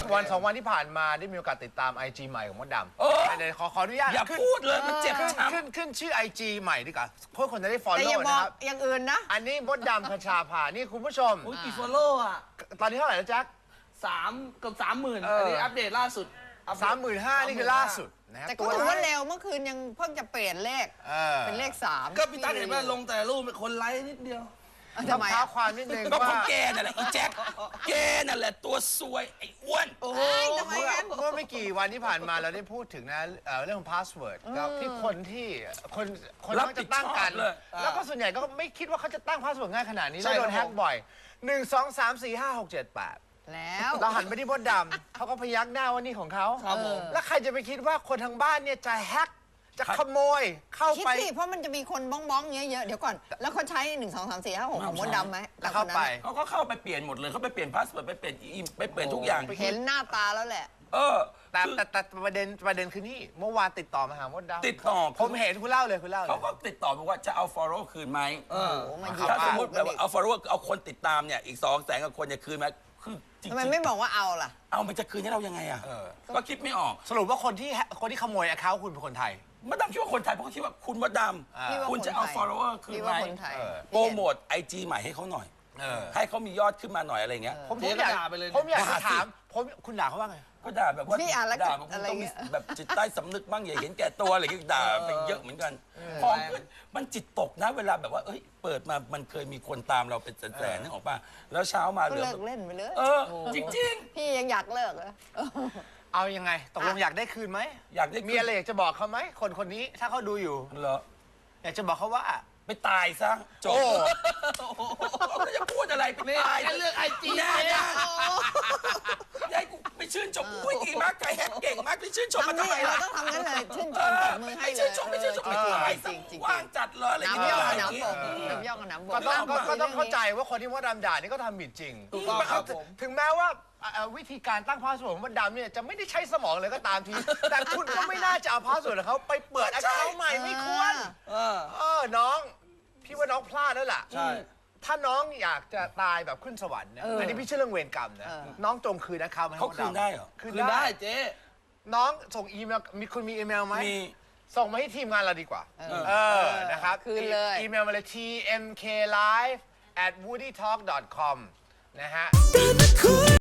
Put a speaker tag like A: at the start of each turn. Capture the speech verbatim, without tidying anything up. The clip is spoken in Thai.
A: วันสองวันที่ผ่านมาได้มีโอกาสติดตาม ไอ จี ใหม่ของมดดำ
B: เออ
A: เดี๋ยวขอขออนุญาต
B: อย่าพูดเลยมันเจ็บ
A: ขึ้น
B: ช้ำ
A: ขึ้นขึ้นชื่อ ไอ จี ใหม่ดีกว่าเพื่อคนจะได้ฟอล
C: แต่
A: โล่
C: อย่าบ
A: นะ
C: อก
A: ครับ
C: อย่างอื่นนะ
A: อันนี้มดดำคชาภานี่คุณผู้ชม
D: โอ้ยกี่ฟอลโล่อะ
A: ตอนนี้เท่าไหร่แล้วแจ็ค
D: สามเกือบสามหมื่น
A: เอออั
D: อันนี้อัปเดตล่าสุด
A: สามหมื่นห้านี่คือล่าสุดนะฮะ
C: แต่ก็ถือว่าเร็วเมื่อคืนยังเพิ่งจะเปลี่ยนเลข
A: เออ
C: เป็นเลขสาม
D: ก็พี่ตั้งเห็นว่าลงแต่รูปเป็นคนไลค์นิดเดียว
C: เอ้า
A: ต้อ
C: ทำ
A: ง
C: ไม
A: เท้า
C: อะ
A: ความนิดนึง
B: ก็เพ
A: ว่า
B: ราะแกนั่นแหละอีแจ็คแกนั่นแหละตัวซวยไอ้อ้วน
D: โอ้โห
C: เอ้ยทำไม
A: เมื่อ
C: งั้น
A: เมื่อไม่กี่วันที่ผ่านมาเราได้พูดถึงนะเอ่อเรื่องพาสเวิร์ดกับที่คนที่คนคน
B: รับ
A: มัก
B: ผิ
A: จะ
B: ด
A: ตั้งกัน
B: ชอบเลย
A: แล้วก็ส่วนใหญ่ก็ไม่คิดว่าเขาจะตั้งพาสเวิร์ดง่ายขนาดนี้
D: ใช่
A: แล้วโดน
D: ค
A: แฮ
D: รับ
A: ก
D: ผม
A: บ่อยหนึ่งสองสามสี่ห้าหกเจ็ดแปด
C: แล้ว
A: เราหันไปที่มดดำเขาก็พยักหน้าว่านี่ของเขา
D: ครับผม
A: แล้วใครจะไปคิดว่าคนทางบ้านเนี่ยจะแฮกจะขโมยเข้า
C: คิด
A: ไป
C: สิเพราะมันจะมีคนบ้องบ้องๆเยอะๆเดี๋ยวก่อน แล้วเขาใช้หนึ่งสองสามสี่ห้าหกของมดดำไหม
A: แล้วเข้าไป
B: เขาก็เข้าไปเปลี่ยนหมดเลยเขาไปเปลี่ยนพาสเวิร์ดไปเปลี่ยนอีไปเปลี่ยนทุกอย่าง
C: เห็นหน้าตาแล้วแหละ
B: เออ
A: แต่
B: คือ
A: แต่แต่ประเด็นประเด็นคือนี่เมื่อวานติดต่อมาหามดดำ
B: ติดต่อ
A: ผมเห็นคุณเล่าเลยคุณเล่าเล
B: เขา
A: ย
B: ก็ติดต่อบอกว่าจะเอา follow คืนไหม
D: เออ
C: โอ้มาเหยียบ
B: ถ้าสมมติ
C: ป
B: แบบว่าเอา follow เอาคนติดตามเนี่ยอีกสองแสนกับคนเนี่ยคืนไหมคือจริง
C: ทำไมไม่บอกว่าเอาล่ะ
B: เอามันจะคืนให้เรายังไงอ่ะ
A: เออ
B: ก็คิดไม่ออก
A: สรุปว่าคนที่แฮกคนที่ขโมยแอคเคาท์คุณเป็นคนไทย
B: มาดามคิดว่าคนไทยเพราะเขาคิดว่าคุณมดด
A: อ่า
C: พี่
B: ำ
C: ว่า
B: คุณจะ
C: น
B: เอา
C: ไทย
B: follower คืน
C: พี่
B: ไหม
C: ว่าคนไทย
A: เออ
B: โปรโมทไอจีใหม่ให้เขาหน่อย
A: เออ
B: ให้เขามียอดขึ้นมาหน่อยอะไรเงี้ย
A: ผม
D: เจ๊
A: ผมอยาก
D: ก็ด่าไปเลยนะ
A: ผมอยากจะ
B: ด่าสิ
A: ถามผมคุณด่าเขาว่าไง
B: ก็ด่าแบบว่า
C: พี่อ่านแล้ว
B: ด่าแบบ
C: อะไร
B: ต้องมี
C: เงี้ย
B: แบบจิตใต้สำนึกบ้างอย่าเห็นแก่ตัวอะไรเงี้ยด่าไปเยอะเหมือนกันพอมันมันจิตตกนะเวลาแบบว่าเอ้ยเปิดมามันเคยมีคนตามเราเป็นแสนๆนึกออกป่ะแล้วเช้ามาเห
C: ก็
B: ลือ
C: เลิกเล่นไปเลย
B: เออจริง
C: พี่ยังอยากเลิกเลย
A: เอายังไงตกลงอยากได้คืนไหม
B: ๆ อยากได้
A: มีอะไรอยากจะบอกเขาไหมคนคนนี้ถ้าเขาดูอยู่
B: เหรอ
A: อยากจะบอกเขาว่า
B: ไปตายซะจบ
A: โอ้
B: แล้วจะพูดอะไรไป
D: นี่
B: ตาย
D: แค่เรื่องไอจี
B: แน่
D: เจ๊
B: ๆยายกูไปชื่นชมอุ้ยดีมากไก่แฮกเก่งมากไปชื่นชมมา
C: ทำ
B: ทำ
C: นี่
B: ไม
C: เรา
B: ล่ะ
C: ต้องทำงั้นเลยชื่นช
B: เอ
C: ม
B: อ
C: ตบมือให้
B: ไม่
C: เล
B: ชื่
C: ย
B: นชมไม่ชื่นชม
C: เอ
B: ไป
C: อ
B: ตาย
C: จ
B: ซะ
C: ริงๆจริง
B: ว่างจัดเลยอะไรอย่าง
C: น้ำ
B: เงี้
C: ย่
B: ย
C: อ
B: อะไรอย่าง
C: น้ำ
B: เงี้
C: บ
B: ย
C: กน้ำย่อกับน้ำบก
A: ก็ต้องก็ก็ต้อง
C: คุ
A: เข้าย ใจว่าคนที่มดดำด่านี่ก็ทำผิดจริง
D: ถูกต้องครับผม
A: ถึงแม้ว่าเอ่อวิธีการตั้งพาสเวิร์ดของมดดำเนี่ยจะไม่ได้ใช้สมองเลยก็ตามที แต่คุณก็ไม่น่าจะเอาพาสเวิร์ดของเขาไปเปิดแอคเคาท์ใหม่ไม่ควร
D: เออ
A: เออน้องพี่ว่าน้องพลาดแล้วล่ะ
D: ใช่
A: ถ้าน้องอยากจะตายแบบขึ้นสวรรค์นะ
C: เอออั
A: อันนี้พี่เชื่อเรื่องเวรกรรมนะ
C: เออ
A: น้องจงคืนนะครับ
B: เขาคืนได้เหรอ
A: คืน
D: คือ
A: ได้
D: ได้เจ๊
A: น้องส่งอีเมลมีคุณมีอีเมลไหม
B: มี
A: ส่งมาที่ทีมงานเราดีกว่า
C: เออ
A: เออนะครับ
C: คืนเลย
A: อีเมลมาเลย ที เอ็ม เค ไลฟ์ แอท วูดี้ทอล์ก ดอท คอม นะฮะ